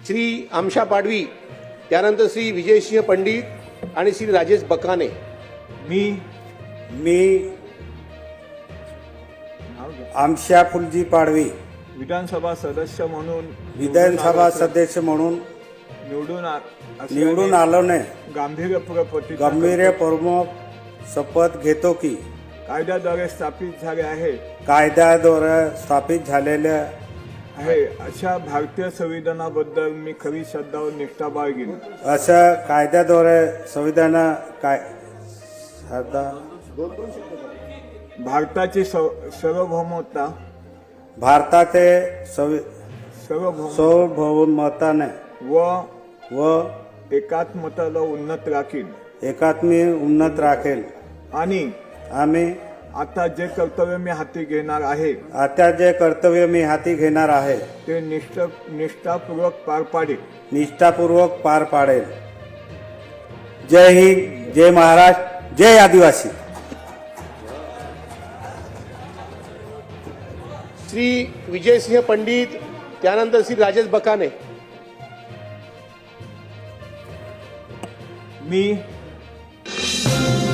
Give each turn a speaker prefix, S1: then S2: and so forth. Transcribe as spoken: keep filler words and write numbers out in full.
S1: श्री आमशा पाडवी, त्यानंतर श्री विजयसिंह पंडित आणि श्री राजेश बकाने।
S2: मी
S3: मी आमशा फुलजी पाडवी
S2: विधानसभा सदस्य म्हणून
S3: विधानसभा सदस्य म्हणून
S2: निवडून आ-
S3: निवडून
S2: असल्याने
S3: आलो ने
S2: गांभीर्यपूर्वक प्रतिज्ञा
S3: गंभीरपूर्वक शपथ घेतो की
S2: करतो. कायद्याद्वारे स्थापित झाले आहे
S3: कायद्याद्वारे स्थापित झालेल्या
S2: आहे अशा भारतीय संविधानाबद्दल मी खरी श्रद्धा व निष्ठा बाळगीन।
S3: असं कायद्याद्वारे संविधान काय सदा
S2: भारताची सव- सार्वभौमता
S3: भारताचे संवि-
S2: सार्वभौम
S3: सार्वभौमताने
S2: व
S3: व
S2: एकात्मताला उन्नत राखीन
S3: एकात्मी उन्नत राखेल।
S2: आणि
S3: आम्ही
S2: आता जे कर्तव्य मी हाती घेणार आहे
S3: आता जे कर्तव्य मी हाती घेणार आहे
S2: ते निष्ठ निष्ठापूर्वक पार पाडेल।
S3: निष्ठापूर्वक पार पाडेल। जय हिंद, जय महाराष्ट्र, जय आदिवासी।
S1: श्री विजयसिंह पंडित, त्यानंतर श्री राजेश बकाने।
S2: मी